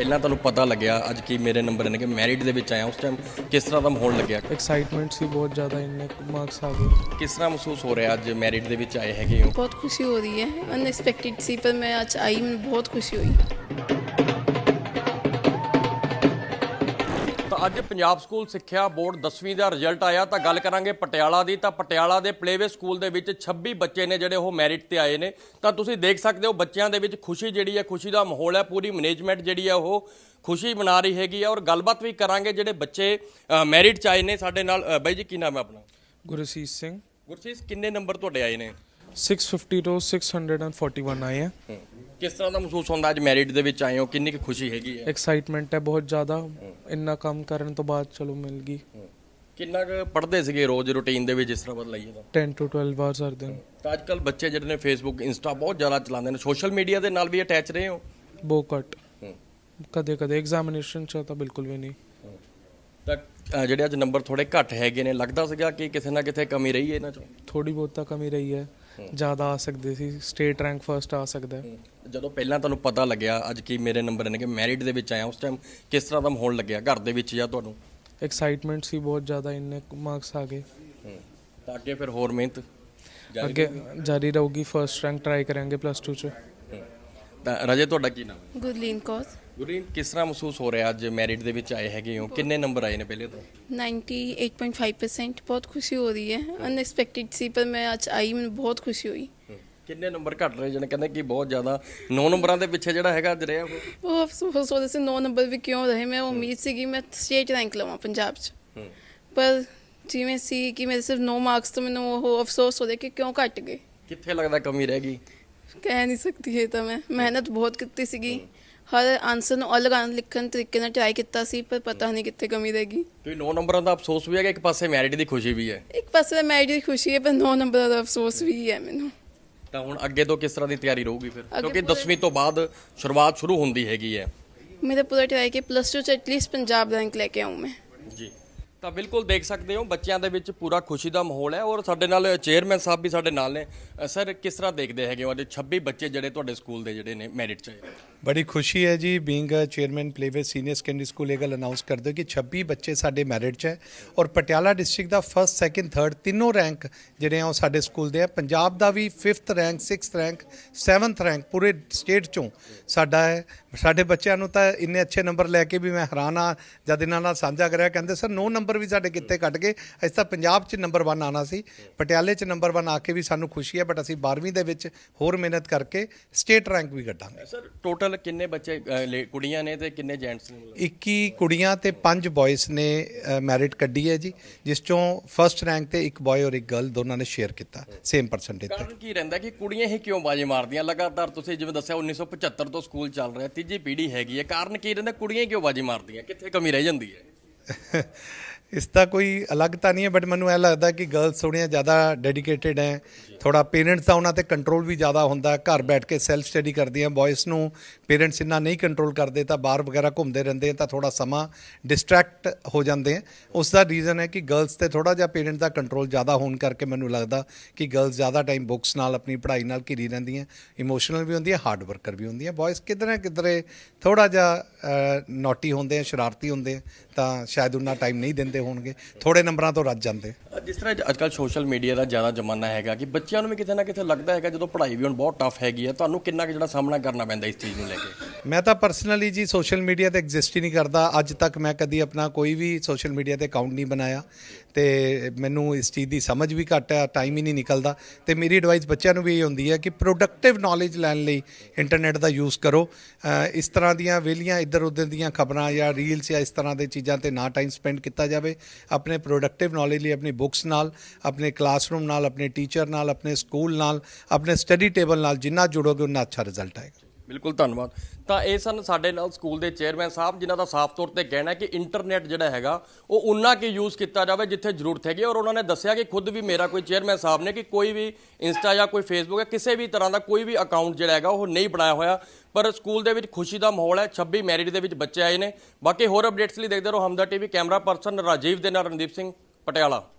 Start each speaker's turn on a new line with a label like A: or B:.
A: ਪਹਿਲਾਂ ਤੁਹਾਨੂੰ ਪਤਾ ਲੱਗਿਆ ਅੱਜ ਕੀ ਮੇਰੇ ਨੰਬਰ ਨੇ ਕਿ ਮੈਰਿਟ ਦੇ ਵਿੱਚ ਆਇਆ ਉਸ ਟਾਈਮ ਕਿਸ ਤਰ੍ਹਾਂ ਦਾ ਮਾਹੌਲ ਲੱਗਿਆ
B: एक्साइटमेंट सी बहुत ज़्यादा इन्ने मार्क्स आ गए।
A: ਕਿਸ ਤਰ੍ਹਾਂ ਮਹਿਸੂਸ ਹੋ ਰਿਹਾ ਅੱਜ ਮੈਰਿਟ ਦੇ ਵਿੱਚ ਆਏ ਹੈਗੇ ਹੋ
C: बहुत खुशी हो रही है, अनएक्सपेक्टेड सी, पर मैं आज आई, मैं बहुत खुशी हुई।
A: ਤਾਂ ਅੱਜ ਪੰਜਾਬ ਸਕੂਲ ਸਿੱਖਿਆ ਬੋਰਡ 10ਵੀਂ ਦਾ ਰਿਜ਼ਲਟ ਆਇਆ ਤਾਂ ਗੱਲ ਕਰਾਂਗੇ ਪਟਿਆਲਾ ਦੀ। ਤਾਂ ਪਟਿਆਲਾ ਦੇ ਪਲੇਵੇ ਸਕੂਲ ਦੇ ਵਿੱਚ 26 ਬੱਚੇ ਨੇ ਜਿਹੜੇ ਉਹ ਮੈਰਿਟ ਤੇ ਆਏ ਨੇ। ਤਾਂ ਤੁਸੀਂ ਦੇਖ ਸਕਦੇ ਹੋ ਬੱਚਿਆਂ ਦੇ ਵਿੱਚ ਖੁਸ਼ੀ ਜਿਹੜੀ ਹੈ, ਖੁਸ਼ੀ ਦਾ ਮਾਹੌਲ ਹੈ। ਪੂਰੀ ਮੈਨੇਜਮੈਂਟ ਜਿਹੜੀ ਹੈ ਉਹ ਖੁਸ਼ੀ ਮਨਾ ਰਹੀ ਹੈਗੀ ਹੈ। ਔਰ ਗੱਲਬਾਤ ਵੀ ਕਰਾਂਗੇ ਜਿਹੜੇ ਬੱਚੇ ਮੈਰਿਟ 'ਚ ਆਏ ਨੇ ਸਾਡੇ ਨਾਲ। ਬਾਈ ਜੀ ਕੀ ਨਾਮ ਹੈ ਆਪਣਾ?
B: गुरसीत सिंह।
A: ਗੁਰਸੀਤ ਕਿੰਨੇ ਨੰਬਰ ਤੁਹਾਡੇ ਆਏ ਨੇ?
B: 650 ਤੋਂ 641 ਆਏ ਆ।
A: ਕਿਸ ਤਰ੍ਹਾਂ ਦਾ ਮਹਿਸੂਸ ਹੁੰਦਾ ਅੱਜ ਮੈਰਿਟ ਦੇ ਵਿੱਚ ਆਏ ਹੋ? ਕਿੰਨੀ ਕੁ ਖੁਸ਼ੀ ਹੈਗੀ ਹੈ?
B: एक्साइटमेंट है बहुत ज़्यादा, ਇੰਨਾ ਕੰਮ ਕਰਨ ਤੋਂ ਬਾਅਦ ਚਲੋ ਮਿਲ ਗਈ।
A: ਕਿੰਨਾ ਕੁ ਪੜ੍ਹਦੇ ਸੀਗੇ ਰੋਜ਼ ਰੂਟੀਨ ਦੇ ਵਿੱਚ ਜਿਸ ਤਰ੍ਹਾਂ ਬਦਲਾਈਏ ਤਾਂ?
B: 10 ਤੋਂ 12 ਆਵਰਸ ਹਰ ਦਿਨ।
A: ਤਾਂ ਅੱਜ ਕੱਲ੍ਹ ਬੱਚੇ ਜਿਹੜੇ ਨੇ ਫੇਸਬੁੱਕ ਇੰਸਟਾ ਬਹੁਤ ਜ਼ਿਆਦਾ ਚਲਾਉਂਦੇ ਨੇ, ਸੋਸ਼ਲ ਮੀਡੀਆ ਦੇ ਨਾਲ ਵੀ ਅਟੈਚ ਰਹੇ ਹੋ?
B: ਬਹੁਤ ਘੱਟ, ਕਦੇ ਕਦੇ ਐਗਜ਼ਾਮੀਨੇਸ਼ਨ 'ਚ ਤਾਂ ਬਿਲਕੁਲ ਵੀ ਨਹੀਂ।
A: ਤਾਂ ਜਿਹੜੇ ਅੱਜ ਨੰਬਰ ਥੋੜੇ ਘੱਟ ਹੈਗੇ ਨੇ, ਲੱਗਦਾ ਸੀਗਾ ਕਿ ਕਿਸੇ ਨਾ ਕਿਤੇ ਕਮੀ ਰਹੀ ਹੈ ਇਹਨਾਂ 'ਚੋਂ?
B: ਥੋੜੀ ਬਹੁਤ ਤਾਂ ਕਮੀ ਰਹੀ ਹੈ, ਜ਼ਿਆਦਾ ਆ ਸਕਦੇ ਸੀ। ਸਟੇਟ ਰੈਂਕ ਫਰਸਟ ਆ ਸਕਦਾ ਹੈ।
A: ਜਦੋਂ ਪਹਿਲਾਂ ਤੁਹਾਨੂੰ ਪਤਾ ਲੱਗਿਆ ਅੱਜ ਕੀ ਮੇਰੇ ਨੰਬਰ ਨੇ ਕਿ ਮੈਰਿਟ ਦੇ ਵਿੱਚ ਆਇਆ ਉਸ ਟਾਈਮ ਕਿਸ ਤਰ੍ਹਾਂ ਦਾ ਮਾਹੌਲ ਲੱਗਿਆ ਘਰ ਦੇ ਵਿੱਚ ਜਾਂ ਤੁਹਾਨੂੰ?
B: एक्साइटमेंट सी बहुत ज़्यादा, ਇੰਨੇ ਮਾਰਕਸ ਆ ਗਏ।
A: ਤਾਂ ਅੱਗੇ ਫਿਰ ਹੋਰ ਮਿਹਨਤ
B: ਅੱਗੇ ਜਾਰੀ ਰਹੂਗੀ, ਫਰਸਟ ਰੈਂਕ ਟਰਾਈ ਕਰਾਂਗੇ ਪਲੱਸ 2 'ਚ।
A: ਤਾਂ ਰਜੇ ਤੁਹਾਡਾ ਕੀ ਨਾਮ ਹੈ?
C: गुरलीन कौर।
A: ਗੁਰੀਨ ਕਿਸ ਤਰ੍ਹਾਂ ਮਹਿਸੂਸ ਹੋ ਰਿਹਾ ਅੱਜ ਮੈਰਿਟ ਦੇ ਵਿੱਚ ਆਏ ਹੈਗੇ ਹੋ? ਕਿੰਨੇ ਨੰਬਰ ਆਏ ਨੇ ਪਹਿਲੇ ਤੋਂ?
C: 98.5%। बहुत खुशी हो रही है, अनएक्सपेक्टेड सी, पर मैं आज आई, मैं बहुत खुशी हुई।
A: ਕਿੰਨੇ ਨੰਬਰ ਘੱਟ ਰਹੇ ਜਣੇ ਕਹਿੰਦੇ ਕਿ ਬਹੁਤ ਜ਼ਿਆਦਾ 9 ਨੰਬਰਾਂ ਦੇ ਪਿੱਛੇ ਜਿਹੜਾ ਹੈਗਾ ਅੱਜ ਰਿਹਾ ਉਹ?
C: वो अफसोस हो रहे से 9 नंबर भी क्यों रहे, मैं उम्मीद सी कि मैं स्टेट रैंक लवां पंजाब च, पर जिवें सी कि मेरे सिर्फ 9 मार्क्स तो मैंने वो अफसोस हो रहा कि क्यों घट गए।
A: ਕਿੱਥੇ ਲੱਗਦਾ ਕਮੀ ਰਹਿ ਗਈ?
C: कह नहीं सकती है तो मैं मेहनत बहुत की सीगी, हर आंसर ਨੂੰ अलग ਲਿਖਣ ਤਰੀਕੇ ਨਾਲ ਟਰਾਈ ਕੀਤਾ ਸੀ, ਪਰ ਪਤਾ ਨਹੀਂ ਕਿੱਥੇ ਕਮੀ ਰਹਿ ਗਈ।
A: ਕੋਈ 9 ਨੰਬਰਾਂ ਦਾ ਅਫਸੋਸ ਵੀ ਹੈਗਾ, ਇੱਕ ਪਾਸੇ ਮੈਰਿਟ ਦੀ ਖੁਸ਼ੀ ਵੀ ਹੈ।
C: ਇੱਕ ਪਾਸੇ ਮੈਰਿਟ ਦੀ ਖੁਸ਼ੀ ਹੈ, ਪਰ 9 ਨੰਬਰ ਦਾ ਅਫਸੋਸ ਵੀ ਹੈ ਮੈਨੂੰ।
A: ਤਾਂ ਹੁਣ ਅੱਗੇ ਤੋਂ ਕਿਸ ਤਰ੍ਹਾਂ ਦੀ ਤਿਆਰੀ ਰਹੂਗੀ ਫਿਰ,
C: ਅੱਗੇ
A: ਕਿਉਂਕਿ
C: ਪੂਰੇ-
A: 10ਵੀਂ ਤੋਂ ਬਾਅਦ ਸ਼ੁਰੂਆਤ ਸ਼ੁਰੂ ਹੁੰਦੀ ਹੈਗੀ ਹੈ?
C: ਮੇਰਾ ਪੂਰਾ ਟਰਾਈ ਕਿ ਪਲੱਸ 2 ਚ ਐਟਲੀਸਟ ਪੰਜਾਬ ਰੈਂਕ ਲੈ ਕੇ ਆऊं ਮੈਂ।
A: ਜੀ ਤਾਂ ਬਿਲਕੁਲ ਦੇਖ ਸਕਦੇ ਹੋ ਬੱਚਿਆਂ ਦੇ ਵਿੱਚ ਪੂਰਾ ਖੁਸ਼ੀ ਦਾ ਮਾਹੌਲ ਹੈ। ਔਰ ਸਾਡੇ ਨਾਲ ਚੇਅਰਮੈਨ ਸਾਹਿਬ ਵੀ ਸਾਡੇ ਨਾਲ ਨੇ। ਸਰ ਕਿਸ ਤਰ੍ਹਾਂ ਦੇਖਦੇ ਹੈਗੇ ਹੋ ਅੱਜ 26 ਬੱਚੇ ਜਿਹੜੇ ਤੁਹਾਡੇ ਸਕੂਲ ਦੇ ਜਿਹੜੇ ਨੇ ਮੈਰਿਟ 'ਚ ਆਏ?
D: ਬੜੀ ਖੁਸ਼ੀ ਹੈ ਜੀ, being uh chairman Playway senior secondary school ਇਹ ਗੱਲ ਅਨਾਉਂਸ ਕਰਦੇ ਹੋ ਕਿ 26 ਬੱਚੇ ਸਾਡੇ ਮੈਰਿਟ 'ਚ ਹੈ। ਔਰ ਪਟਿਆਲਾ ਡਿਸਟ੍ਰਿਕਟ ਦਾ ਫਸਟ ਸੈਕੰਡ ਥਰਡ ਤਿੰਨੋਂ ਰੈਂਕ ਜਿਹੜੇ ਆ ਉਹ ਸਾਡੇ ਸਕੂਲ ਦੇ ਆ। ਪੰਜਾਬ ਦਾ ਵੀ 5th rank 6th rank 7th rank ਪੂਰੇ ਸਟੇਟ 'ਚੋਂ ਸਾਡਾ ਹੈ। ਸਾਡੇ ਬੱਚਿਆਂ ਨੂੰ ਤਾਂ ਇੰਨੇ ਅੱਛੇ ਨੰਬਰ ਲੈ ਕੇ ਵੀ ਮੈਂ ਹੈਰਾਨ ਆ। ਜਦ ਇਹਨਾਂ ਨਾਲ ਸਾਂਝਾ ਕਰਿਆ ਕਹਿੰਦੇ ਸਰ 9 ਨੰਬਰ ਵੀ ਸਾਡੇ ਕਿੱਥੇ ਕੱਟ ਗਏ, ਅਸੀਂ ਤਾਂ ਪੰਜਾਬ 'ਚ ਨੰਬਰ 1 ਆਉਣਾ ਸੀ, ਪਟਿਆਲੇ 'ਚ ਨੰਬਰ 1 ਆ ਕੇ ਵੀ ਸਾਨੂੰ ਖੁਸ਼ੀ ਹੈ। ਬਟ ਅਸੀਂ 12ਵੀਂ ਦੇ ਵਿੱਚ ਹੋਰ ਮਿਹਨਤ ਕਰਕੇ ਸਟੇਟ ਰੈਂਕ ਵੀ ਕੱਢਾਂਗੇ।
A: ਸਰ ਟੋਟਲ ਕਿੰਨੇ ਬੱਚੇ ਕੁੜੀਆਂ ਨੇ ਤੇ ਕਿੰਨੇ ਜੈਂਟਸ ਨੇ?
D: 21 ਕੁੜੀਆਂ ਤੇ 5 ਬॉयਜ਼ ਨੇ ਮੈਰਿਟ ਕੱਢੀ ਹੈ ਜੀ, ਜਿਸ ਚੋਂ ਫਸਟ ਰੈਂਕ ਤੇ ਇੱਕ ਬॉय ਔਰ ਇੱਕ ਗਰਲ ਦੋਨਾਂ ਨੇ ਸ਼ੇਅਰ ਕੀਤਾ ਸੇਮ ਪਰਸੈਂਟੇਜ ਤੇ।
A: ਕਾਰਨ ਕੀ ਰਹਿੰਦਾ ਕਿ ਕੁੜੀਆਂ ਹੀ ਕਿਉਂ ਬਾਜੀ ਮਾਰਦੀਆਂ ਲਗਾਤਾਰ? ਤੁਸੀਂ ਜਿਵੇਂ ਦੱਸਿਆ 1975 ਤੋਂ ਸਕੂਲ ਚੱਲ ਰਿਹਾ, ਤੀਜੀ ਪੀੜ੍ਹੀ ਹੈਗੀ ਹੈ, ਕਾਰਨ ਕੀ ਰਹਿੰਦਾ ਕੁੜੀਆਂ ਹੀ ਕਿਉਂ ਬਾਜੀ ਮਾਰਦੀਆਂ? ਕਿੱਥੇ ਕਮੀ ਰਹਿ ਜਾਂਦੀ ਹੈ?
D: ਇਸ ਦਾ ਕੋਈ ਅਲੱਗ ਤਾਂ ਨਹੀਂ ਹੈ, ਬਟ ਮੈਨੂੰ ਇਹ ਲੱਗਦਾ ਕਿ ਗਰਲਸ ਥੋੜ੍ਹੀਆਂ ਜ਼ਿਆਦਾ ਡੈਡੀਕੇਟਿਡ ਹੈ। ਥੋੜਾ ਪੇਰੈਂਟਸ ਦਾ ਉਹਨਾਂ ਤੇ ਕੰਟਰੋਲ ਵੀ ਜ਼ਿਆਦਾ ਹੁੰਦਾ, ਘਰ ਬੈਠ ਕੇ ਸੈਲਫ ਸਟੱਡੀ ਕਰਦੀਆਂ। ਬॉयਜ਼ ਨੂੰ ਪੇਰੈਂਟਸ ਇੰਨਾ ਨਹੀਂ ਕੰਟਰੋਲ ਕਰਦੇ ਤਾਂ ਬਾਹਰ ਵਗੈਰਾ ਘੁੰਮਦੇ ਰਹਿੰਦੇ ਤਾਂ ਥੋੜਾ ਸਮਾਂ ਡਿਸਟਰੈਕਟ ਹੋ ਜਾਂਦੇ ਆ। ਉਸ ਦਾ ਰੀਜ਼ਨ ਹੈ ਕਿ ਗਰਲਸ ਤੇ ਥੋੜਾ ਜਿਹਾ ਪੇਰੈਂਟਸ ਦਾ ਕੰਟਰੋਲ ਜ਼ਿਆਦਾ ਹੋਣ ਕਰਕੇ ਮੈਨੂੰ ਲੱਗਦਾ ਕਿ ਗਰਲਸ ਜ਼ਿਆਦਾ ਟਾਈਮ ਬੁੱਕਸ ਨਾਲ ਆਪਣੀ ਪੜ੍ਹਾਈ ਨਾਲ ਘਿਰੀ ਰਹਿੰਦੀਆਂ, ਇਮੋਸ਼ਨਲ ਵੀ ਹੁੰਦੀਆਂ, ਹਾਰਡ ਵਰਕਰ ਵੀ ਹੁੰਦੀਆਂ। ਬॉयਜ਼ ਕਿਧਰੇ ਥੋੜਾ ਜਿਹਾ ਨੋਟੀ ਹੁੰਦੇ ਆ, ਸ਼ਰਾਰਤੀ ਹੁੰਦੇ ਆ, ਤਾਂ ਸ਼ਾਇਦ ਉਹਨਾਂ ਟਾਈਮ ਨਹੀਂ ਦਿੰਦੇ ਹੋਣਗੇ, ਥੋੜੇ ਨੰਬਰਾਂ ਤੋਂ ਰੱਜ ਜਾਂਦੇ।
A: ਜਿਸ ਤਰ੍ਹਾਂ ਅੱਜ ਕੱਲ੍ਹ ਸੋਸ਼ਲ ਮੀਡੀਆ ਦਾ ਜ਼ਿਆਦਾ ਜ਼ਮਾਨਾ ਹੈਗਾ ਕਿ ਬੱਚਿਆਂ ਨੂੰ ਵੀ ਕਿਤੇ ਨਾ ਕਿਤੇ ਲੱਗਦਾ ਹੈਗਾ ਜਦੋਂ ਪੜ੍ਹਾਈ ਵੀ ਹੁਣ ਬਹੁਤ ਟਫ ਹੈਗੀ ਹੈ, ਤੁਹਾਨੂੰ ਕਿੰਨਾ ਕੁ ਜਿਹੜਾ ਸਾਹਮਣਾ ਕਰਨਾ ਪੈਂਦਾ ਇਸ ਚੀਜ਼ ਨੂੰ ਲੈ ਕੇ?
D: ਮੈਂ ਤਾਂ ਪਰਸਨਲੀ ਜੀ ਸੋਸ਼ਲ ਮੀਡੀਆ ਤੇ ਐਗਜ਼ਿਸਟ ਹੀ ਨਹੀਂ ਕਰਦਾ। ਅੱਜ ਤੱਕ ਮੈਂ ਕਦੀ ਆਪਣਾ ਕੋਈ ਵੀ ਸੋਸ਼ਲ ਮੀਡੀਆ ਤੇ ਅਕਾਊਂਟ ਨਹੀਂ ਬਣਾਇਆ ਤੇ ਮੈਨੂੰ ਇਸ ਚੀਜ਼ ਦੀ ਸਮਝ ਵੀ ਘੱਟ ਹੈ, ਟਾਈਮ ਹੀ ਨਹੀਂ ਨਿਕਲਦਾ। ਤੇ ਮੇਰੀ ਐਡਵਾਈਸ ਬੱਚਿਆਂ ਨੂੰ ਵੀ ਇਹ ਹੁੰਦੀ ਹੈ ਕਿ ਪ੍ਰੋਡਕਟਿਵ ਨੌਲੇਜ ਲੈਣ ਲਈ ਇੰਟਰਨੈਟ ਦਾ ਯੂਜ਼ ਕਰੋ। ਇਸ ਤਰ੍ਹਾਂ ਦੀਆਂ ਵਿਹਲੀਆਂ ਇੱਧਰ ਉੱਧਰ ਦੀਆਂ ਖਬਰਾਂ ਜਾਂ ਰੀਲਸ ਜਾਂ ਇਸ ਤਰ੍ਹਾਂ ਦੇ ਚੀਜ਼ਾਂ ਤੇ ਨਾ ਟਾਈਮ ਸਪੈਂਡ ਕੀਤਾ ਜਾਵੇ। ਆਪਣੇ ਪ੍ਰੋਡਕਟਿਵ ਨੌਲੇਜ ਲਈ ਆਪਣੀ ਬੁੱਕਸ ਨਾਲ, ਆਪਣੇ ਕਲਾਸਰੂਮ ਨਾਲ, ਆਪਣੇ ਟੀਚਰ ਨਾਲ, ਆਪਣੇ ਸਕੂਲ ਨਾਲ, ਆਪਣੇ ਸਟੱਡੀ ਟੇਬਲ ਨਾਲ ਜਿੰਨਾ ਜੁੜੋਗੇ ਉਨਾ ਅੱਛਾ ਰਿਜ਼ਲਟ ਆਏਗਾ।
A: ਬਿਲਕੁਲ ਧੰਨਵਾਦ। ਤਾਂ ਇਹ ਸਨ ਸਾਡੇ ਨਾਲ ਸਕੂਲ ਦੇ ਚੇਅਰਮੈਨ ਸਾਹਿਬ, ਜਿਨ੍ਹਾਂ ਦਾ ਸਾਫ਼ ਤੌਰ ਤੇ ਕਹਿਣਾ ਹੈ ਕਿ ਇੰਟਰਨੈਟ ਜਿਹੜਾ ਹੈਗਾ ਉਹ ਉਨਾ ਕਿ ਯੂਜ਼ ਕੀਤਾ ਜਾਵੇ ਜਿੱਥੇ ਜ਼ਰੂਰਤ ਹੈਗੀ। ਔਰ ਉਹਨਾਂ ਨੇ ਦੱਸਿਆ ਕਿ ਖੁਦ ਵੀ ਮੇਰਾ ਕੋਈ ਚੇਅਰਮੈਨ ਸਾਹਿਬ ਨੇ ਕਿ ਕੋਈ ਵੀ ਇੰਸਟਾ ਜਾਂ ਕੋਈ ਫੇਸਬੁੱਕ ਜਾਂ ਕਿਸੇ ਵੀ ਤਰ੍ਹਾਂ ਦਾ ਕੋਈ ਵੀ ਅਕਾਊਂਟ ਜਿਹੜਾ ਹੈਗਾ ਉਹ ਨਹੀਂ ਬਣਾਇਆ ਹੋਇਆ। ਪਰ ਸਕੂਲ ਦੇ ਵਿੱਚ ਖੁਸ਼ੀ ਦਾ ਮਾਹੌਲ ਹੈ। 26 ਮੈਰਿਟ ਦੇ ਵਿੱਚ ਬੱਚੇ ਆਏ ਨੇ। ਬਾਕੀ ਹੋਰ ਅਪਡੇਟਸ ਲਈ ਦੇਖਦੇ ਰਹੋ Hamdard TV. Camera person Rajiv ਦੇ ਨਾਲ ਰਣਦੀਪ ਸਿੰਘ, ਪਟਿਆਲਾ।